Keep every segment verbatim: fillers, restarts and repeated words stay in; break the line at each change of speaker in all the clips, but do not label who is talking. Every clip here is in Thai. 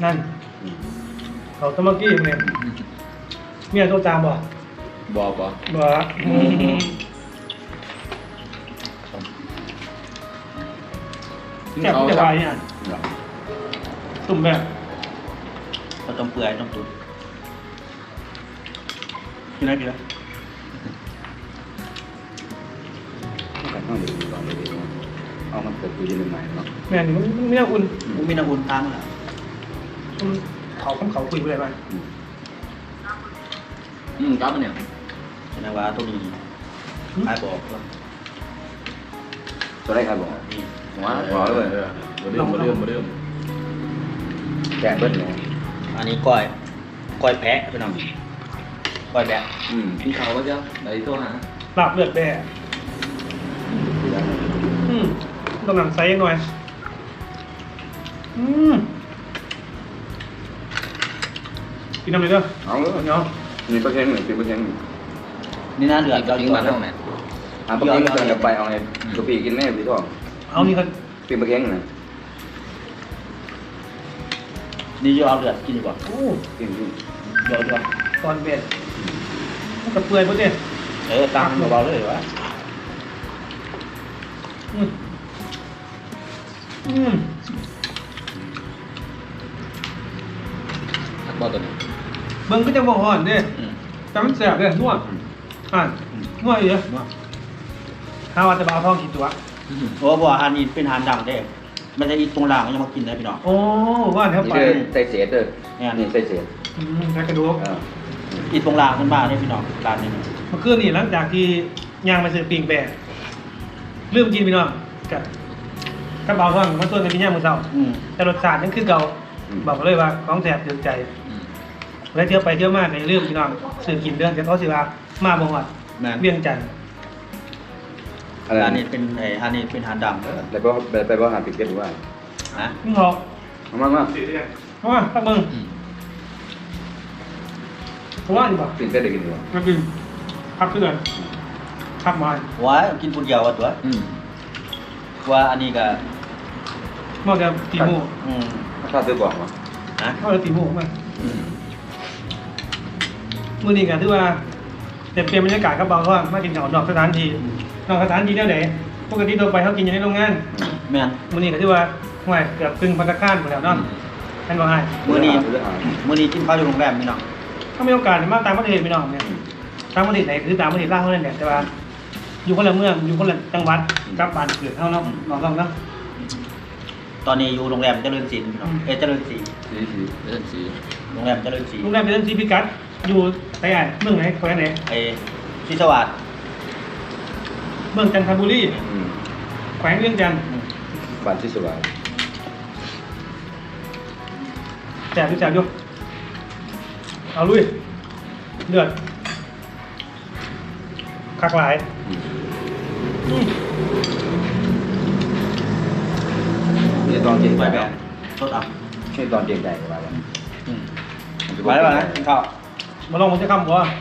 นั่นเขาตะมักกี้เนี่ยเมียโทรตามบ่
บ่บ่
บ่แกะจะไปเนี่ยตุ่มแบบเราต้มเปื่อยต้มตุ๋นกินอะไรกินอะไร
กันต้องดูก่อนเลยเอามันเกิดคุยกันใหม่เนาะ
แม่นี่มันไม่น่าอุ่นมันไม่น่าอุ่นตามมันอ่ะเขาคำเขาคุยอะไรบ้าง
อืมครับเนี่ย
แสดงว่าตัวนี้ใครบอก
ตัวได้ใครบอกนี่หัวหัวเลยมาเริ่มมาเริ่มมาเริ่มแกะเบิ้ลเลย
อันนี้ก้อยก้อยแพะพี่น้องก้อยแพะ
อืมพี่เขาก็จะไหนโทษฮะ
ลาบเลือดแบ่อืมต้องหนังไซส์หน่อยอืมกินน้ำเลยเด้อ
เอาเลยเนาะมีเปอร์เซ็นต์หนึ่งสิบเปอร์เซ็นต์
นี่น่าเดือดเรา
จริงมาแล้วแม่อ่ะเปอร์เซ็นต์จะไปเอาไงกะปิกินแม่พี่ทอง
เอานี่ครับ
เป็นเปอร์เซ็นต์นะ
นี่จะเอาเดือดกินดีกว่า
โอ้
กินกิน
เดี๋ยวดีกว่า
ตอนเบ็ดมันกระเปื่อยพอดี
เออตามเบาๆเลยวะ
อืมอืม
ทักบอลตัวนี้
เบิ้งก็จะบ่ห่อนเด้แต่มันแสบเลยนวดอ่านนวดเยอะข้าวจะบ่าวทองกี่ตัว
โอ้บ่อาหารนี้เป็นอาหารดังเด้มันจะอีตรงล่างยังมากินได้พี่น้อง
โอ้ว่าแถวไป
ใส่เศษเด้อนี่ใส่เศษ
อืมใส่กระดูก
อีตรงล่างมันมาได้พี่น้องร้านนี้
เมื่อคืนนี่หลังจากที่ย่างไปซื้อปิงแปะลืมกินพี่น้องกับกระเป๋าทองมาส่วนกันที่ย่างมือเช้าแต่รสชาติยังคือเก่าบอกเลยว่าของแสบถึงใจแล้วเที่ยวไปเที่ยวมาในเรื่องพี่น้องซื้อกินเรื่องจะเขาสิว่ามาบ่ฮอดเวียงจันทร์
อันนี้เป็นไอ้อันนี้เป็นอาหารดำ
แล้วก็ไปบ่หาปิดเก็ตหรือว่า
ฮะ
มึงเหรอ
เอามามา
เอามาตั้งมึงเพราะว่าดีป่ะ
ปิดเก็ตได้กินดีกว่า
มากินพักเพื่อนพักมา
ว้ากินคนเดียวตัวว่าอันนี้ก็
มองจะตีหมู
อืม
ถ้าซื้อบอกมา
ฮะเขาจะตีหมูมามือนี้กันที่ว่าเต็มเปลี่ยนบรรยากาศครับบางท่านมากินข้าวนอกสถานที่นอกสถานที่เนี่ยไหนปกติตัวไปเขากินอยู่ในโรงงาน
แม่น
มือนี้ก็ที่ว่าห่วยเกือบครึ่งพันธคารหมดแล้วเนาะแค่นว่าให้
มือนี้มือนี้กินข้าวอยู่โรงแรมพี่น้อง
ถ้ามีโอกาสมาต่างประเทศพี่น้องเนี่ยต่างประเทศไหนคือต่างประเทศล่างเท่านั้นแหละแต่ว่าอยู่คนละเมืองอยู่คนละจังหวัดกับบ้านเกิดเท่านั้นน้องๆเนาะ
ตอนนี้อยู่โรงแรมเจริญศิลป์พี่น้องเอเจริญศรี
ศรีศรีเจริญศรี
โรงแรมเจริญศรี
โรงแรมเจริญศรีพิกัดอยู่ไหนอ่ะเมืองไหนแขวงไหน
ไอ้ศรีสวัสดิ์
เมืองจันทบุรีแขวงเวียงจันทร์
บ้านศรีสวัสดิ์
แจกดูแจกดูเอาลุยเลือดคักหลาย
นี่ตอนเก่งใจ
แบบสดอ่ะ
นี่ตอนเก่งใจไปแล้ว
ไปแล้วนะข้าว
มาลองมันจะคำกว่า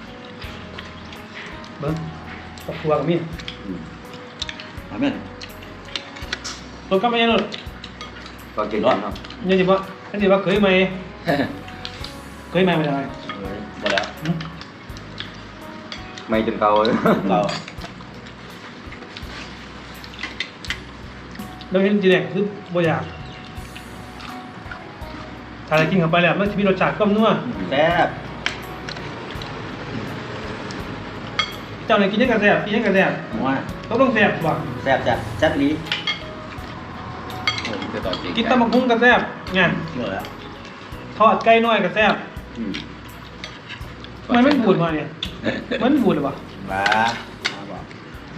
เบิ้งตกตัวกับมี
ทำไม
ตัวก็ไม่ยังหรอก
ตอนเก่งใจเนาะ
ยังจีบว่ายังจีบว่าเคยไหมเคยไหมไม่ได้
หมดแล้ว
ไม่จนเก่าเลย
เก่า
เราเห็นจีแดงคือบ่อยากถ้าได้กินเข้าไปแล้วมันจะมีรสชาติก้มนัว
แซ่บ
เจ้าไหนกินยังกระแซ่บกินยังกระแซ่บ
ว่า
ต้องต้องแซ่บว่ะ
แซ่บจ้ะแซ่บลี
กินตำบักหุ่งกระแซ่บไงทอดไก่น้อยกระแซ่บมันไม่บูดมาเนี่ยมันบูดหรือเปล่า
บ้า
ไหม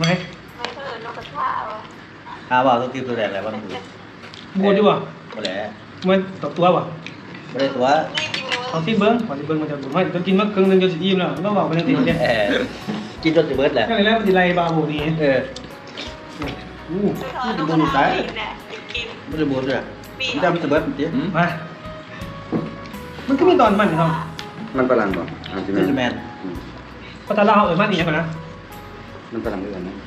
ข้าวว่าต้องกินตัวแดงอะไรบ้างบูด
บูดดีกว่า
บูดแหละ
มันตบตัวป่ะ
ไม่ได้ตัว
เอาที่เบิ้งเอาที่เบิ้งมันจะบูดไหมจะกินมากครึ่งนึงจะอิ่มแล้วต้องบอกไปยังไงเนี่ย
กินจนจะเบิร์ดแหละ
ก็เลยแล้วมันจะไล่บาบูนี่
เอออู้จะบูดสายไม่ได้บูดเลยมันจะมันจะเบิร์ดจริง
มามันก็มีตอนมันครับ
มันฝรั่งป่ะอาร์ติ
แมน
พอตาเล่าเออมันนี่ยังไงนะ
มันฝรั่งด้วยกันนะ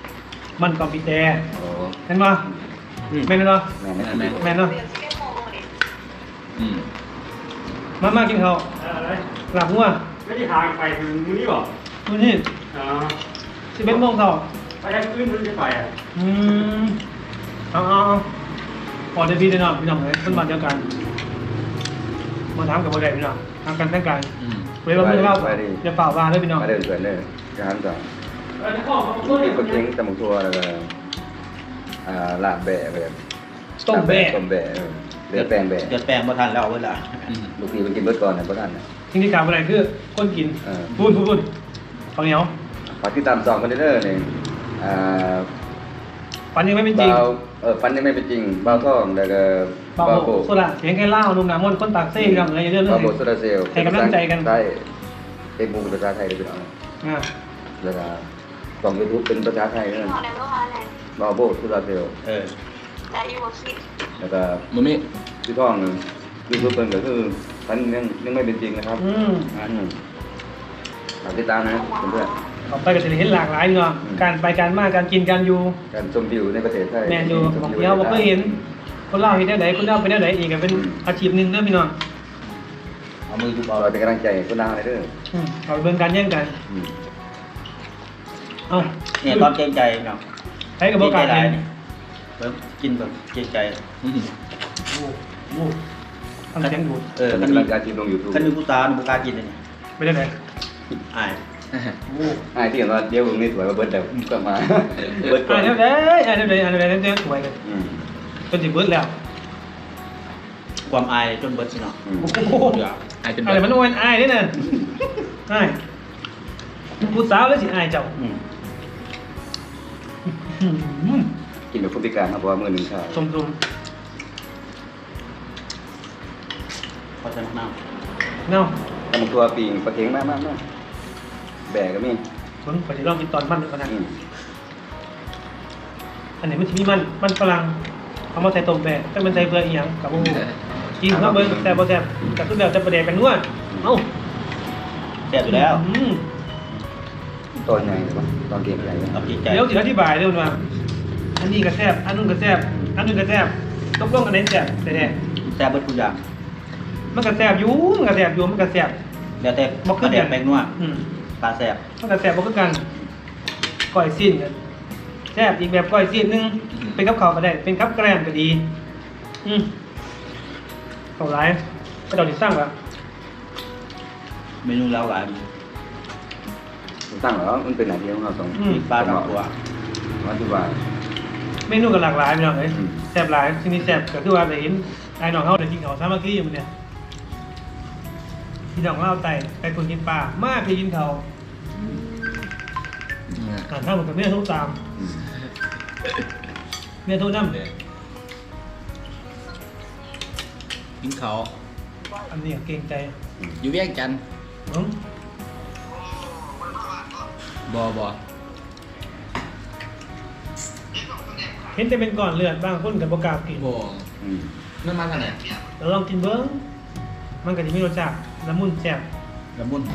มันคอมพิวเตอร์เห็นป่ะแม่นเนาะ
แม่นแม่น
แม่นเนาะ
อืม
มามากินข้าว
อะไร
หลับงัว
ไม่ได้ทางไปถึงนี่หรอ
ดูนี่
อ๋อ
สิบเอ็ดโมงเช้า
ไปทางอื่นมันจะไปอ่ะ
อืมเอาเอาเอาพอได้พี่ได้น้องพี่น้องเลยคนบ้านเดียวกันมาถามกับบ่ได้พี่น้องทำกันแต่งกาย
อืม
เวลาเพิ่งเล่าอย่าเปล่าว่าเลยพี่น้อง
มาเดินสวนเลยร้านก่อน
เออข้อของตัว
นี่
นี้
ปลาเค็งตำบักทั่วแล้วก็อ่าลาบแบะแบบ
ต้มแบะ
ต้มแบะเออเดือดแป้งแบะ
เดือดแปลงบ่ทันแล้วเวลา
อืม
ลูกพี่มันกินเบิดก่อนนะเพราะท่านนะ
สิ่งที่ขาดบ่ได้คือคนกิน
เออ
พูดพูดพูดข้าวเหนียว
ฝากที่ตามสองคอนเทนเนอร์นี่อ่า
ปันยังไม่เป็นจริง
เบาเออฟันยังไม่เป็นจริงเบาท่องแล้วก็
เบา
เบา
โบ
โบ
โซล่าเสียงแค่เล่านุ่มหนามนคนตากเส้นกันอะไรอย่างเรื่อง
เบา
เรื่อง
โบโซลาร์เซลล์
ให้กำลังใจกัน
ใช่เอ็มบูภาษาไทยได้เป็นเอา
อ่า
แล้วก็กล่องยูทูบเป็นภาษาไทยนั่น
พอแล้วก็พอแล้ว
เบาโบโซลาร์เซลล์
เออ
แต่อยู่บนคิด
แล้วก็
มันมี
ที่ท่องนึงยูทูบเป็นก็คือฟันยังยังไม่เป็นจริงนะครับ
อืม
อืมฝากติดตามนะเพื่อน
ออกไปก็จะได้เห็นหลากหลายเนาะการไปการมาการกินการอยู่
ๆการชมวิวในประเทศไทย
แมนอยู่บางทีเราบ่เคยเห็น คนเล่าเห็นได้ไหนคนเล่าเป็นได้ไหนอีกก็เป็นอาชีพหนึ่งเด้อพี่น้อง
เอามือดู
เรา
เบา
เป็นกำลังใจให้คนดังเลยเด้อ
อืมเอาไปเบิ่งการแย่งกัน
อืม
เอา
เนี่ยตอนเกรงใจเนาะ
ใช้กับบ่กล้าร
ได้
เห็น
นี่เริ่มกินแบบเกรงใจ
อืม
โอ้โหทำเสียงดูด
เออ
เป็น
คัน
กำ
มี
ลังการทีมลงยูทูบ
คันมีผู้ตาหนูบ่กล้ากินเลยเนี่ย
ไปได้ไหน
อาย
โอ้
ไอ้ที่เห็นว่าเดี๋ยววงนี้สวยมาเบิร์ดเดี๋ยวกลับมาเบิร์ดก่อ
อ่าน นเดี๋ยวได้อ่านเดี๋ยวได้อ่านเดี๋ยวได้เดี๋ยวสวยเลย
อืม
จนถึงเบิดแล้ว
ความอายจนเบิดสิเนาะ
อืม
โอ้โห
เดี๋ยวไอ้จน
อะไรมันโอ้ยอายนี่น่ะอายผู้สาวแล้วสิอายเจ้า
อืม
อืม
กินแบบผู้พิการครับเพราะว่ามือหนึ่งข้าว
ชมชม
พอจะน้
เนาะ
ตำบักตัวปีงปลาเค็งมากมากมากแบกก็มี
ผมขอจะลองกินตอนมันดูก่อนนะ
อืม
อันนี้มันจะมีมันมันฝรั่งเอามาใส่ต้มแบะแต่มันใส่เบื่ออีหยังกับโอ้โหกินเนาะเบิ่งแต่บ่แซ่บแต่คือแบบจะประเดกกันนัวเอ้า
ำแซ่บอยู่แล้ว
อืม
ตอนใหญ่เลยปะตอนเก่งใหญ่เลย
เอาเกรงใจ
เดี๋ยวสิอธิบายเด้อว่าอันนี้ก็แซ่บอันนู้นก็แซ่บอันนู้นก็แซ่บตกลงอันไหนแซ่บแท้
แซ่บเบิดทุกอย่าง
ๆมันก็แซ่บอยู่มันก็แซ่บอยู่มันก็แซ่บ
แล้วแต่
บ่คือ
แด
กั
ก
น
แปลงนัว
อืม
ปลาแซ่บ
มันก็แซ่บบ่คือกันก้อยซีนก็แซ่บอีกแบบก้อยซีนหนึงเป็นกับข้าวก็ได้เป็นกับแกล้มก็ดีอืมเข้าหลายก็เดาสิสร้างว่า
เมนูแล้วหลาย
ผมตั้งแล้วมันเป็นหน้าที่ของเราสอง
อืม
มีปลาทั้งตัว
อธิบาย
เมนูก็หลากหลายพี่น้องเอ้ย
อืม
แซ่บหลายทีนี้แซ่บก็คือว่าได้เห็นไอ้น้องเฮาได้กินข้าวสามัคคีอยู่มื้อเนี่ยพี่น้องเล่าไต่ไปคนกินปลามาไปกินข้าวอ่านข้าวมันกับเมียโทรตาม
อืม
เมียโทรนำ
กินเขาว
อันนี้เกรงใจ
อยู่เวียงจันทน์
อืม
บอบอ
เห็นแต่เป็นก้อนเลือดบางคนก็บ่กล้ากิน
บอ
อืม
นั่นมาทางไหน
เราลองกินเบิ้งมันก็จะมีรสชาติละมุนแซ่บ
ละมุน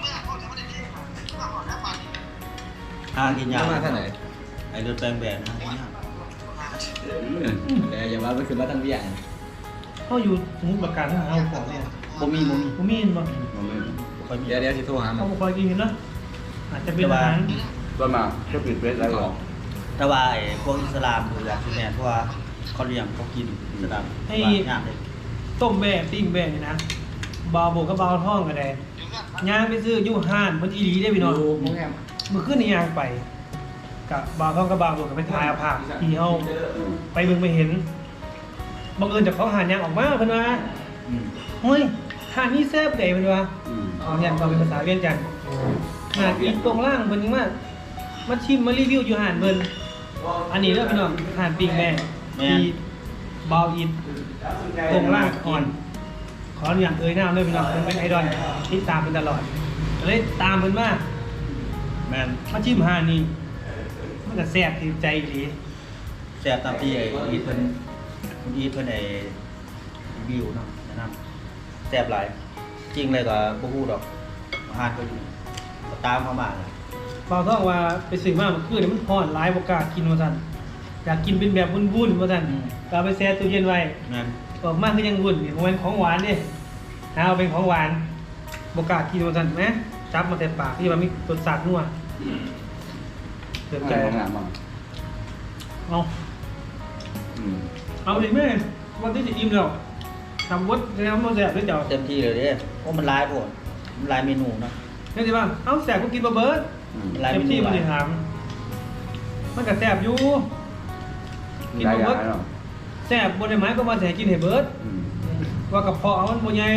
หากินยา
นั่
ก
นมาทางไหน
ไอ้เลือดแปลงแบนหากินยาก
แต่อย่าว่าไปขึ้นมาทางเวียง
เขาอยู่สมุทรปราการเขาหาของเนี่ย
บ่มีบ่มี
บ่มีเห็นบ่
มันไม่
บ่ค่อยมี
เดี๋ยวเดี๋ยวสิโทรหามั
เขา
น
บ่ค่อยกินกันเนาะอาจจะเป็นอาหาร
ต้นมาก็ปิดเวทแล้วเหรอ
แต่ว่าไอ้พวกอิสลามหรืออย่างที่แม่นเพราะว่าเขาเลี้ยงเขากินอิสลาม
ให้
ว่ายากเลย
ต้มแบ่ปิ้งแบ่นี่นะบาวโบกกับบาวท่องก็ได้ย่างไปซื้ออยู่ห้านมันอีหลีได้พี่น้อง
ดูโรงแรม
เมื่อคืนนี่ย่างไปกับบาวท่องกับบาวโบกก็ไปถ่ายเอาภาพที่เฮา
อืม
ไปเบิ่งไปเห็นบังเอิญจากเขาหานย่างออกมาเพิ่นว่า
อืม
เฮ้ยหานนี้แซ่บได้เพิ่นว่า
อืม
เอาอย่างเราเป็นภาษาเวียงจันทน์หานอีกตรงล่างเพิ่นยังมามาชิมมารีวิวอยู่หานเพิ่นอันนี้เด้อพี่น้องหานปิ้งแม่ที่บาวอินตรงล่างอ่อน ขออนุญาตเอ่ยนามด้วยพี่น้องเพิ่นเป็นไอดอลที่ตามเพิ่นตลอดก็เลยตามเพิ่นมา
แม่น
มาชิมหานนี่มันก็แซ่บที่ใจอีหลี
แซ่บตามที่ไอ้อีทเพิ่นคุณอีทเพิ่นไอ้รีวิวเนาะแนะนำแซ่บหลาย จริงเลยก็บ่ฮู้ดอกอาหารก็อยู่ก็ตามเข้ามาเลย
บาวท่องว่าไปซื้อมาเมื่อคืนนี่มันร้อนหลายบ่กล้ากินว่าซั่นอยากกินเป็นแบบวุ่นๆว่าซั่นก็เอาไปแช่ตู้เย็นไว้
แม่น
ออกมาคือยังวุ่นนี่มันของหวานดิเอาเป็นของหวานบกล้ากินมันสั่นไหมจับมาแต่ปากที่มันมีรสชาตินัวเดือดใจ
งามมาก
เอา
อืม
เอาดิแม่วันที่จะอิ่มแล้วทำวัดแล้วมันแสบด้วยเจ้า
เต็มที่เลยเด้โอ้มันหลายโพดมันหลายเมนูเนาะ
นี่สิบ้างเอาแสบก็กินบะเบิร์ด
อืม
หลาย
เต็
เม
ม
นู
ที่
ห
มัน
ลาย
จะถามมันก็แสบอยู่กิน
ได้
บะเบิร์ด
ยาเนาะ
แสบบนไม้ก็มาแสบกินให้เบิร์ด
อืม
ว่ากระเพาะมันโมใหญ่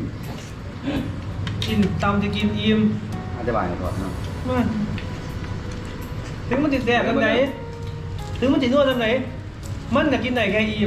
กินตำจะกินอิ่ม
อธิบายก่อนเนาะ
มาถึงมันจะแสบทำไหนถึงมันจะนวดทำไหนมันก็กินได้แค่อิ่ม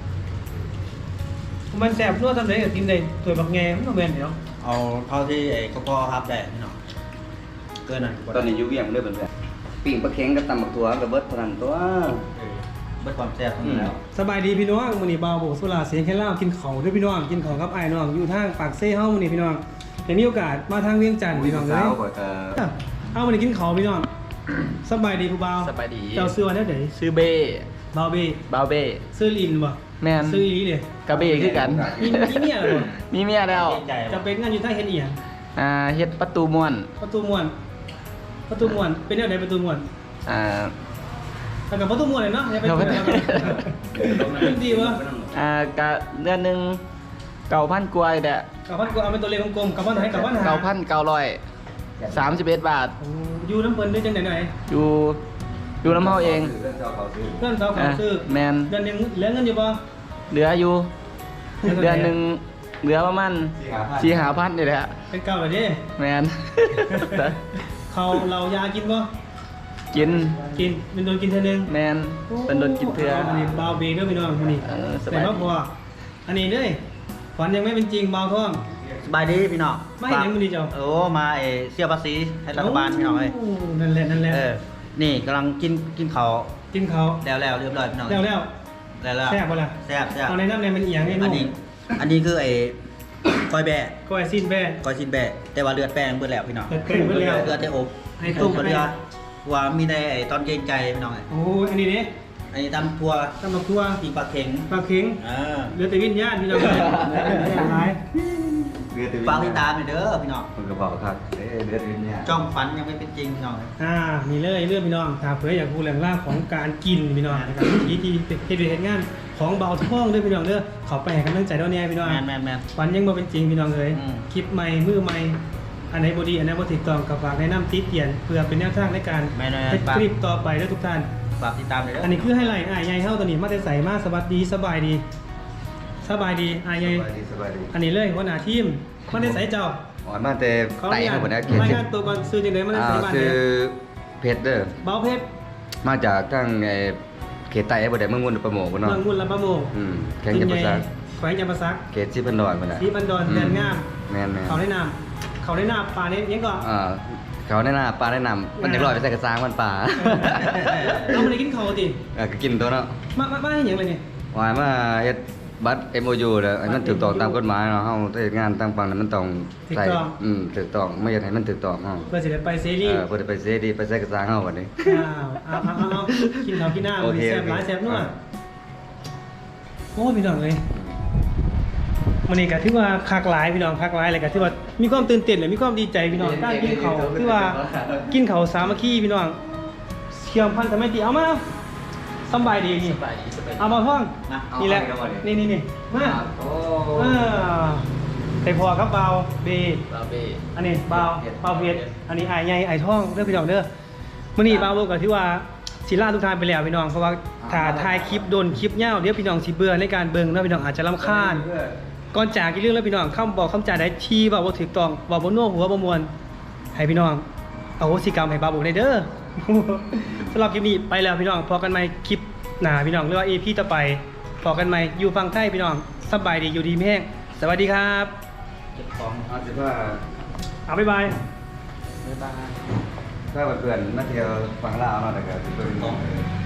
มันแสบนวดทำไหนก็กินได้ตัวบักแงมันก็แม่นเดี๋ยว
เอาเท่าที่ไอ้กระเพาะครับได้พี่น้องเกินนั้น
ตอนนี้อยู่เวียงเด้อเพื่อนๆปิ้งปลาเค็งกับตำบักถั่วกับเบิดเท่านั้นตัว
เบิดความแซ่บทั้งนั้นแล้ว
สบายดีพี่น้องมื้อนี้บ่าวโบสุราเสียงแค่เล่ากินข้าวด้วยพี่น้องกินข้าวกับอ้ายน้องอยู่ทางปากเซ่เฮามื้อนี้พี่น้องได้มีโอกาสมาทางเวียงจันทน์พี่น้องเอ้
สาวย ก็เอ่อ
เอามื้อนี้กินข้าวพี่น้องสบายดีผู้บ่าว
สบายดี
เจ้าซื้อว่าแนวใด
ซื้อเบ้
บ่าวเบ้
บาวเบ้
ซื้อลินบ่
แม่น
ซื้ออีหลีเด้
กระเบ้คือกัน
มีมีเมียแล้วบ่
มีเมียแล้ว
เกรงใจ
จะเป็นงานอยู่ทางเฮ็ดอีหยัง
อ่าเฮ็ดประตูม่วน
ประตูม่วนประตูม่วนเป็นแนวใดประตูม่วน
อ่า
แล้วก็ประตูม่วนเลยเนาะอย่าไป
ครับ
เถียงกันเป็นดีบ่
อ่ากะเดือนหนึงเก้าพันกว่าแหละ
กับพันกว่าเอาเป็นตัวเลขกลมๆกับพันไหนกับพันหา
เก้าพันเก้าร้อยสามสิบเอ็ดบาท
โอ้อยู่น้ำเพิ่นได้จังได๋ไหน
อยู่อยู่น้ำเฮาเอง
เรื่องเจ้าเขาซื้อ
เพื่อนสาวเขาซื้อ
แมน
เดือนหนึงเหลือเงินอยู่บ่
เหลืออยู่ เดือนหนึ่งเหลือประมาณ
สี่
สี่
ห้า
หาพันนี่แหละ
เป็นเก่าเลยดิ
แมน
เขาเรายากินบ่
กิน
กินเป็นโดนกินเท่านึง
แมนเป็นโดนกินเถื่อ
อันนี้เบาเบรกด้วยพี่น้องอันนี้
เออสบาย
แต่ว่าพออันนี้เด้ยฝันยังไม่เป็นจริงเบาท้อง
สบายดีพี่น้อง
ไม่เห็นยังมื้อนี้เจ้า
โอ้มาไอ้เสียภาษีให้รัฐบาลพี่น้องเอ้ย
โนั่นแหละนั่นแหละ
เออนี่กำลังกินกินข้าว
กินเขา
แล้วแล้วเรียบร้อยพี่น้อง
แล้วแล้ว
แล้วแล้ว
แซ่บบ่ล่ะ
แซ่บแซ่บ
เอาในน้ำในมันเอียงให้
อัน
นุ่ม
นี้อันนี้คือไอ้ก้อยแบะ
ก้อยสิ้นแบ่
ก้อยชิ้นแบะแต่ว่าเลือดแป้งเบิดแล้วพี่น้อง
เลือดแป้งเบิดแล้ว
เลือดได้อบ
ให้ต้ม
เลือดว่ามีในไอ้ตอนเกรงใจพี่น้องเอ้ย
โอ้ยอันนี้เด้
อันนี้ตำทัว
ตำบักทั่ว
ปีกปลาเข็ง
ปลาเค็ง
อ่า
เหลือแต่วิญญาณพี่น้องเลยเหลือแต่หลาย
เดือด
ฟังติดตามหน่อยเด้อพี่น้อง
คนกระเป๋าครับเอ้ยเดือดเนี่ย
จ้องฝันยังไม่เป็นจริงพี่น้องเอ้ย
อ่านี่เลยเรื่องพี่น้องถ้าเผื่ออยากรู้เรื่องราวของการกินพี่น้องนะครับวิธีที่เฮ็ดเฮ็ดงานของเบาท้องเด้อพี่น้องเด้อเขาไปให้กำลังใจเด้อเนี่ยพี่น้อง
แมนแมนแมน
ฝันยังบ่เป็นจริงพี่น้องเอ้ย
อืม
คลิปใหม่มือใหม่อันไหนบ่ดีอันไหนบ่ถูกต้องก็ฝากแนะนำติเตียนเพื่อเป็นแนวทางในการ
แม่นๆ
เฮ็ด
ฝาก
คลิปต่อไปเด้อทุกท่าน
ฝากติดตามหน่อยเด้อ
อั
อั
นนี้คือไฮไลท์อ้ายใหญ่เฮาตัวนี้มาแต่ใส่มาสวัสดีสบายดีสบายดีอ้ายใหญ่
สบายดีสบายดี
อันนี้เลยหัวหน้าทีมมาแต่ใส่เจ้า
อ๋อมาแต่
เขา
ไต่
เรีย
ให้
ก
หมดนะเขียน
ราย
ชื่
งา
อน
ตัวก่อนซื้อจังได๋มาแต่
อ่า
ใส่บ้าน
คื
เด้
อ
อ
เพชรเด้อ
เบาเพชร
มาจากทางไอ้เขตใต้ไอ้บ่ได้เมืองมุ่นประโมกบ่เนาะ
เมืองมุนลำปะโมง
อืมแข่งกันภาษา
แขวงจำปาสัก
เขตสิพันดอนบ่น่ะ
สีพันดอนแดนงาม
แม่นๆ
เขาได้นำเขาได้นำปลาเนี้ยังก่อน
อ่าเขาแนะนำปลาแนะนำมันจะลอยไปใส่กระซังมันปลา
เราไม่ได้กินเขาติ
เออก็กินตัวเนาะ
มามามาให้หยังเลยเนี่ย
วายมาเฮ็ดบัตร เอ็ม โอ ยู เด้อให้มันถูกต้องตามกฎหมายเนาะเฮาเฮ็ดงานต่างฝั่งนั้นมันต้องใส่อืมถูกต้องไม่อยากให้มันถูกต้องเฮา
เพื่อสิได้ไปเซ
เอ
รี
อเพิ่นได้ไปเสดีไปใส่กระซังเฮาบัดนี้
อ้าวเอาเอาเอาเอากินเขาวกินหน้า
โอ
มัน
เค
แซ่บหลาย
โอเค
แซ่บนัว
อ่า
โอ้พี่น้องเลยมันนี่ก็ถือว่าคักหลายพี่น้องคักหลายเลยก็ถือว่ามีความตื่นเต้นเลยมีความดีใจพี่น้องการกินเขาวคือว่ากินเขาวสามัคคีพี่น้องเชื่อมพันธไมตรีเอามาสำบายดีนี่
สบายดีสบายดี
เอามาห้อง
นะ
นี่แหละ
เอามาดิ
นี่นี่นี่มา
โอ้
อ่าไต่พอครับเบาเบ
บาวเบ้
อันนี้เบาเบาเพชรอันนี้ไอ้ใหญ่ไอ้ท่องเด้อพี่น้องเด้อมื้อนี้เบาเบิกก็ที่ว่าสิลาทุกท่านไปแล้วพี่น้องเพราะว่าถ้าถ่ายคลิปโดนคลิปยาวเดี๋ยวพี่น้องสิเบื่อในการเบิ่งแล้วพี่น้องอาจจะรำคาญก่อนจากอีกเรื่องแล้วพี่น้องคำบอกคำจาใดที่เว้าบ่ถูกต้องเว้าบ่นัวหัวบ่ม่วนให้พี่น้องอโหสิกรรมให้เบาบ่ได้เด้อ สำหรับคลิปนี้ไปแล้วพี่น้องพอกันใหม่คลิปหน้าพี่น้องหรือว่า อี พี ต่อไปพอกันใหม่อยู่ฝั่งไทยพี่น้องสบายดีอยู่ดีมีแห้งสวัสดีครับ
เก็บของ
เอาสิว่า
เอาบ๊ายบาย
บ๊ายบาย
ถ้าเพื่อนๆมาเที่ยวฝั่งลาวเนาะแต่ก็สิเบิ่ง